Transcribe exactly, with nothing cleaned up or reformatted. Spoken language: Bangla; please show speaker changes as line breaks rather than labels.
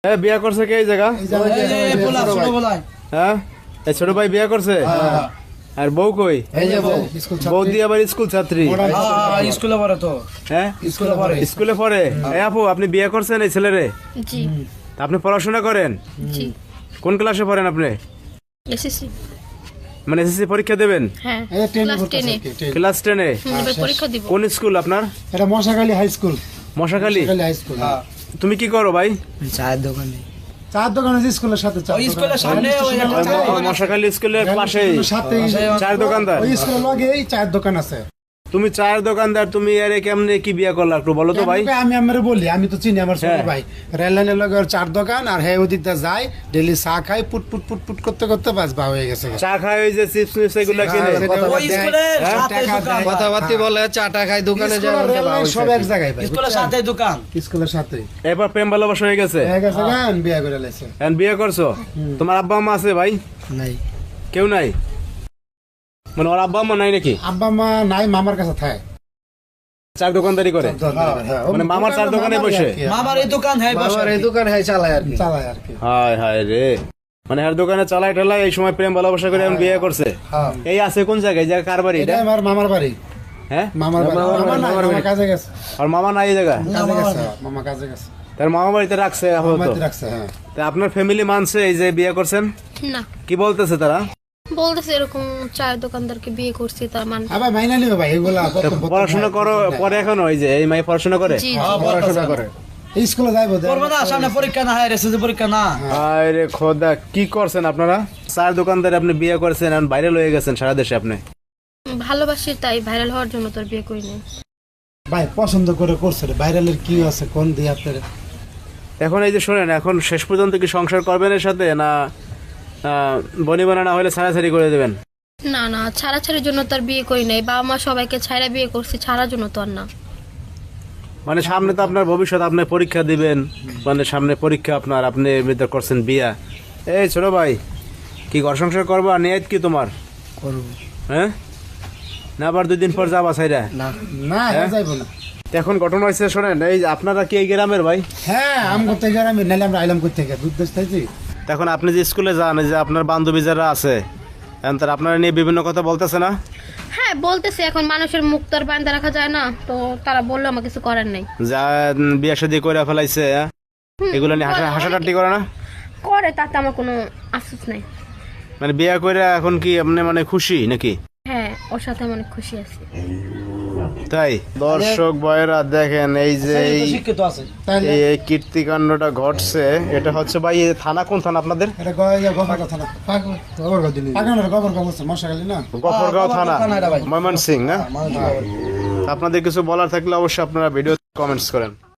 হ্যাঁ বিয়া করছে কে এই জায়গা? হ্যাঁ এই ছোট ভাই বিয়া করছে। আর বউ কই? বউ দিয়ে আবার স্কুল ছাত্রী।
স্কুলে পড়ে তো।
হ্যাঁ স্কুলে পড়ে। স্কুলে পড়ে। এই আপু আপনি বিয়ে করছেন এই ছেলেরে?
জি।
আপনি পড়াশোনা করেন?
জি।
কোন ক্লাসে পড়েন আপনি?
এসএসসি।
মানে এসএসসি পরীক্ষা দেবেন?
হ্যাঁ ক্লাস টেন এ।
ক্লাস টেন এ
এবার পরীক্ষা দিব।
কোন স্কুল আপনার?
এটা Moshakhali high school.
Moshakhali
high school.
তুমি কি করো ভাই?
চায়ের দোকানে।
চার দোকান আছে স্কুলের সাথে।
ওই স্কুলের সামনে ওই
মশাখালী স্কুলের পাশেই
সাথে
চায়ের দোকানদার।
ওই স্কুলের লগেই চায়ের দোকান আছে।
তুমি চায়ের দোকানদার, তুমি আরে কেমনে কি বিয়ে করলা একটু বলো তো ভাই।
আমি আমার বলি, আমি তো চিনি আমার ছোট ভাই রেল লাইনের লগে ওর চার দোকান, আর হ্যাঁ ওদিক দিয়ে যায় ডেইলি চা খাই, পুট পুট পুট পুট করতে করতে বাস বা হয়ে গেছে।
চা খায় ওই যে চিপস মিপস এগুলা কিনে
ওই স্কুলের সাথে দোকান।
কথাবার্তি বলে চাটা খাই দোকানে যায়
সব এক জায়গায় ভাই।
স্কুলের সাথে দোকান।
স্কুলের সাথে
এবার প্রেম ভালোবাসা হয়ে গেছে।
হয়ে গেছে গান বিয়ে করে লাইছে।
এখন বিয়ে করছো? তোমার আব্বা আম্মা আছে ভাই?
নাই।
কেউ নাই? মানে ওর আব্বা আম্মা নাই নাকি?
আব্বা মা নাই, মামার কাছে থাকে।
চার দোকানদারি করে? মানে মামার চার দোকানে বসে?
মামার এই দোকান হ্যাঁ বসে।
আমার এই দোকান হ্যাঁ চালায় আর কি।
চালায় আর কি।
হায় হায় রে, মানে আর দোকানে চালাই টালাই এই সময় প্রেম ভালোবাসা করে এখন বিয়ে করছে।
হ্যাঁ
এই আছে কোন জায়গায়? জায়গা কার বাড়ি
এটা
এটা?
আমার মামার বাড়ি।
হ্যাঁ
মামার বাড়ি। মামা নাই, মামা কাজে গেছে।
আর মামা নাই এই জায়গা?
কাজে গেছে, মামা কাজে গেছে।
তার মামা বাড়িতে রাখছে আপাতত।
মামাতে রাখছে। হ্যাঁ
তা আপনার ফ্যামিলি মানছে এই যে বিয়ে করছেন?
না,
কি বলতেছে তারা?
বলতেছে এরকম চায়ের দোকানদারকে বিয়ে করছি তার মানে।
আবার মাইনা নিবে ভাই এগুলা।
পড়াশোনা করো পরে এখনো? ওই যে এই মাই পড়াশোনা করে?
জি
পড়াশোনা করে
এই স্কুলে যাইবো।
করবে না, সামনে পরীক্ষা না হয় এসএসসি পরীক্ষা না।
আরে খোদা, কি করছেন আপনারা? চার দোকানদার আপনি বিয়ে করেছেন, এখন ভাইরাল হয়ে গেছেন সারা দেশে। আপনি
ভালোবাসি তাই ভাইরাল হওয়ার জন্য তোর বিয়ে করিনি।
ভাই পছন্দ করে করছে রে, ভাইরালের কি আছে কোন দিয়ে আপনার?
এখন এই যে শোনেন, এখন শেষ পর্যন্ত কি সংসার করবেন এর সাথে, না বনি বানা না হলে ছাড়াছাড়ি করে দেবেন?
না না, ছাড়াছাড়ির জন্য তোর বিয়ে করি নাই। বাবা মা সবাইকে ছাড়া বিয়ে করছি, ছাড়ার জন্য তো আর না।
মানে সামনে তো আপনার ভবিষ্যৎ, আপনি পরীক্ষা দিবেন, মানে সামনে পরীক্ষা আপনার, আপনি এমনিতে করছেন বিয়া। এই ছোট ভাই, কি ঘর সংসার করবা? নিয়ত কি তোমার?
করব।
হ্যাঁ না আবার দুই দিন পর যাবা সাইরা?
না
না যাইবো না।
এখন ঘটনা হয়েছে শোনেন, এই যে আপনারা কি এই গ্রামের ভাই?
হ্যাঁ আম করতে গেলে আমি নাইলে আমরা আইলাম করতে গেলে দুধ দেশ থাকি।
এখন আপনি যে স্কুলে যান, এই যে আপনার বান্ধবী যারা আছে, এখন তারা আপনারা নিয়ে বিভিন্ন কথা বলতেছে না?
হ্যাঁ বলতেছে, এখন মানুষের মুখ তো আর বান্ধা রাখা যায় না, তো তারা বললো আমার কিছু করার নেই।
যা বিয়া শাদী করে ফেলাইছে, হ্যাঁ? এগুলো নিয়ে হাসা হাসাটাটি করে না?
করে, তাতে আমার কোনো আফসোস নাই।
মানে বিয়া করে এখন কি আপনি মানে খুশি নাকি?
হ্যাঁ ওর সাথে আমি অনেক খুশি আছি।
তাই দর্শক ভাইরা দেখেন, এই যে এই
শিক্ষিত আছে।
এই এই কীর্তিকাণ্ডটা ঘটছে, এটা হচ্ছে ভাই এই থানা কোন থানা আপনাদের?
এটা গয়া গফর কথা না। গফরগাঁও দিলি। পাগানোর গফরগাঁও বলছে মশাখালী না?
গফরগাঁও থানা, ময়মনসিংহ। হ্যাঁ আপনাদের কিছু বলার থাকলে অবশ্যই আপনারা ভিডিও কমেন্টস করেন।